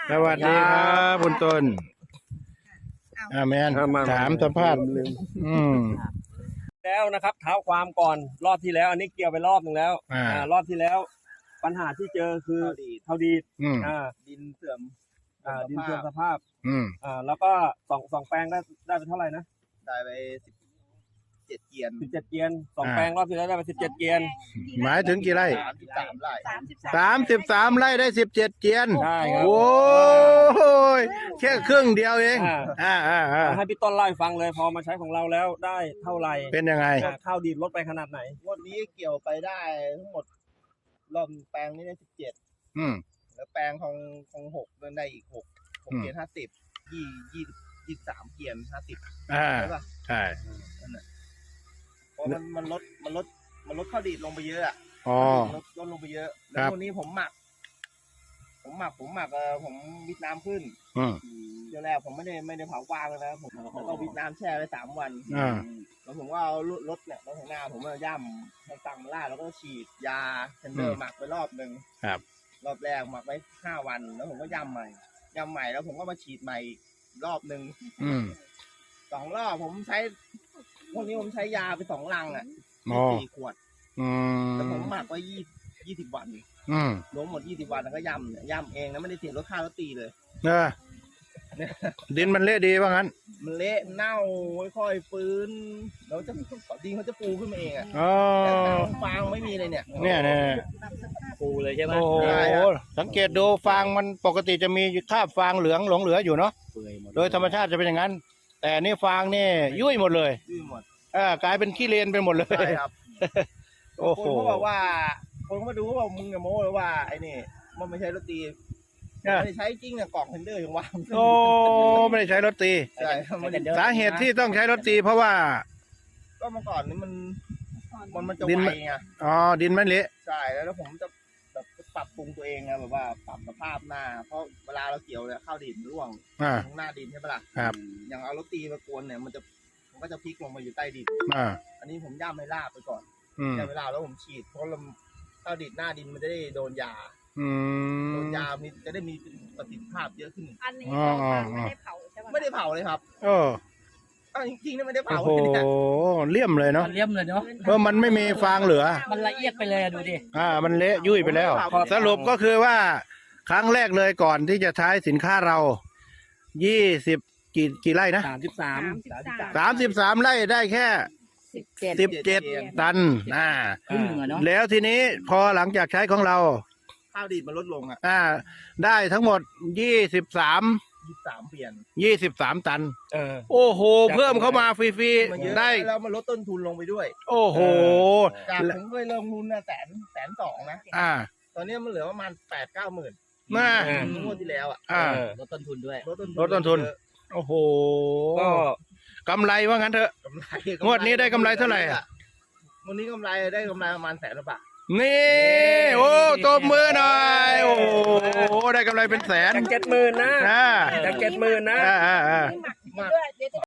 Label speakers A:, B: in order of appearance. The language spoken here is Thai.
A: สวัสดีครับคุณต้นแมนถามสัมภาษณ์
B: แล้วนะครับเท้าความก่อนรอบที่แล้ว อันนี้เกี่ยวไปรอบหนึ่งแล้วรอบที่แล้ว ปัญหาที่เจอคือเท่าดี
C: ดินเสื่อม
B: ดินเสื่อมสภาพแล้วก็สองแปลงได้ไปเท่าไหร่นะ
C: ได้ไป17 เกียน
B: 17 เกียน2 แปลงรอบที่แล้วได้ไป17 เกียน
A: หมายถึงกี่ไร่
C: 33 ไร่
A: 33 ไร่ได้17 เกียน
B: ใช่ครับ
A: โอ้ยแค่ครึ่งเดียวเอง
B: ให้พี่ต้นเล่าให้ฟังเลยพอมาใช้ของเราแล้วได้เท่าไหร่
A: เป็นยังไง
B: ข้าวดีลดไปขนาดไหน
C: งวดนี้เกี่ยวไปได้ทั้งหมดรอบแปลงนี้ได้17แล้วแปลงของ6นั่นได้อีก6เกียน50 23 เกียน50ใช่ป่ะ
A: ใช่
C: เพราะมันลดข้าวดีดลงไปเยอะอ่ะลดลงไปเยอะแล้ววันนี้ผมหมักผมวิดน้ำขึ้นเดี๋ยวแรกผมไม่ได้เผากวางเลยนะผมก็วิดน้ำแช่ไว้3 วันแล้วผมก็เอารถเนี่ยรถข้างหน้าผมมาย่ำให้ตังมาล่าแล้วก็ฉีดยาเทนเดอร์หมักไปรอบหนึ่งรอบแรกหมักไว้5 วันแล้วผมก็ย่ำใหม่แล้วผมก็มาฉีดใหม่รอบหนึ่ง2 รอบผมใช้วันนี้ผมใช้ยาไป2 ลังอ่ะ4 ขวดแล้วผมหมักไว้20 วันรวมหมด20 วันแล้วก็ย่ำเองนะไม่ได้เสียรถค่ารถตีเลย
A: ดินมันเละดีว่างั้น
C: มันเละเน่าค่อยๆฟื้นแล้วดินเขาจะฟูขึ้นมาเองอ่ะฟางไม่มีเลยเนี่ย
B: ฟูเลยใช่ไหม
A: โอ้โหสังเกตดูฟางมันปกติจะมีคราบฟางเหลืองหลงเหลืออยู่เนาะโดยธรรมชาติจะเป็นอย่างนั้นแต่นี่ฟางนี่ยุ่ยหมดเลยกลายเป็นขี้เลนไปหมดเลย
C: ครับ
A: โอ้โห
C: คนเขาบอกว่าคนมาดูเขาบอกมึงกับโม้เลยว่าไอ้นี่มันไม่ใช่รถตีไม่ได้ใช้จริงอะกล่องเทนเดอร์ยังวาง
A: โอ้ไม่ได้ใช้รถตีสาเหตุที่ต้องใช้รถตีเพราะว่า
C: ก็เมื่อก่อนนี่มันจะไวไง
A: ดินมันเละ
C: ใช่แล้วผมจะแบบปรับปรุงตัวเองไงแบบว่าปรับสภาพหน้าเพราะเวลาเราเกี่ยวเนี่ยข้าวดินร่วงตรงหน้าดินใช่ปะล่ะอย่างเอารถตีมากวนเนี่ยมันก็จะพลิกลงมาอยู่ใต้ดินอันนี้ผมย่ำให้ลาบไปก่อนย่ำให้ลาบแล้วผมฉีดเพราะข้าวดินหน้าดินมันจะได้โดนยามีจะได้มีประสิทธิภาพเยอะขึ้น
D: อันนี้ไม่ได้เผาใช่ไหม
C: ไม่ได้เผาเลยครับจริงๆไม่ได้เผา
A: โอ้โหเลี่ยมเลยเนาะเพราะมันไม่มีฟางเหลือ
B: มันละเอียดไปเลยดูดิ
A: มันเละยุ่ยไปแล้วสรุปก็คือว่าครั้งแรกเลยก่อนที่จะใช้สินค้าเรา20กี่ไร่นะ33 ไร่ได้แค่17 ตันแล้วทีนี้พอหลังจากใช้ของเรา
C: ข้าวดีดมันลดลง
A: ได้ทั้งหมด
C: 23 เปลี่ยน
A: 23 ตันโอ้โหเพิ่มเข้ามาฟรีๆได้
C: แล้วมันลดต้นทุนลงไปด้วย
A: โอ้โห
C: จากผมเคยลงทุน102,000นะตอนนี้มันเหลือประมาณ8-9 หมื่นงวดที่แล้ว
B: ลดต้นทุนด้วย
A: ลดต้นทุนโอ้โหก็กำไรว่างั้นเถอะงวดนี้ได้กำไรเท่าไหร่
C: วันนี้ได้กำไรประมาณ100,000 บาท
A: นี่โอ้ตบมือหน่อยโอ้ได้กำไรเป็นแสน
B: จาก70,000นะจาก70,000นะ